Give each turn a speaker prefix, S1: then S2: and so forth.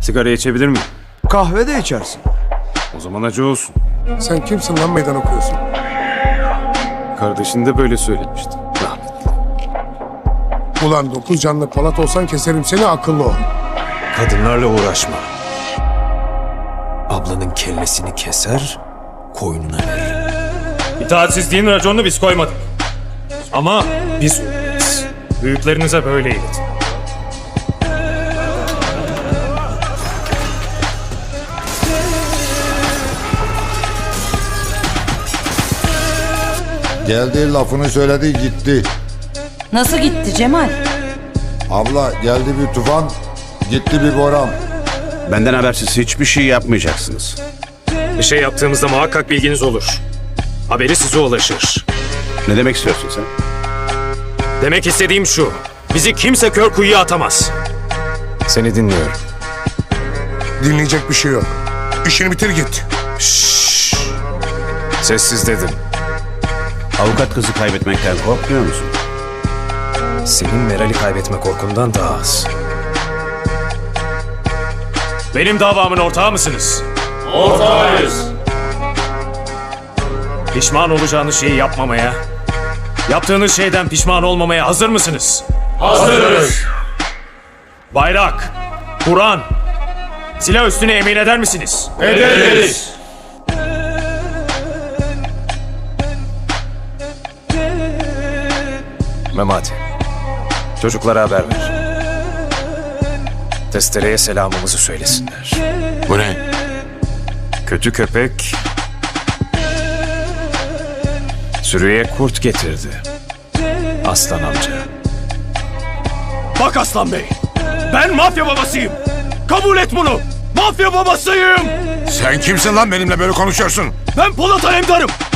S1: Sigara içebilir miyim?
S2: Kahve de içersin.
S1: O zaman acı olsun.
S3: Sen kimsin lan meydan okuyorsun?
S1: Kardeşin de böyle söylemişti. Rahmetli.
S3: Ulan 9 canlı Polat olsan keserim seni, akıllı ol.
S4: Kadınlarla uğraşma. Ablanın kellesini keser, koynuna verir.
S5: İtaatsizliğin raconunu biz koymadık. Ama biz uyarız. Büyüklerinize böyle iletin.
S6: Geldi, lafını söyledi, gitti.
S7: Nasıl gitti Cemal?
S6: Abla, geldi bir tufan, gitti bir boran.
S8: Benden habersiz hiçbir şey yapmayacaksınız.
S5: Bir şey yaptığımızda muhakkak bilginiz olur. Haberi size ulaşır.
S8: Ne demek istiyorsun sen?
S5: Demek istediğim şu. Bizi kimse kör kuyuya atamaz.
S4: Seni dinliyorum.
S3: Dinleyecek bir şey yok. İşini bitir git.
S4: Sessiz dedim.
S8: Avukat kızı kaybetmekten korkmuyor musun?
S4: Senin Meral'i kaybetme korkundan daha az.
S5: Benim davamın ortağı mısınız? Ortağıyız. Pişman olacağınız şeyi yapmamaya, yaptığınız şeyden pişman olmamaya hazır mısınız? Hazırız. Bayrak, Kur'an, silah üstüne emin eder misiniz? Ederiz.
S4: Memati, çocuklara haber ver. Testereye selamımızı söylesinler.
S1: Bu ne?
S4: Kötü köpek sürüye kurt getirdi. Aslan amca.
S5: Bak Aslan Bey, ben mafya babasıyım. Kabul et bunu. Mafya babasıyım.
S3: Sen kimsin lan benimle böyle konuşuyorsun?
S5: Ben Polat Alemdar'ım.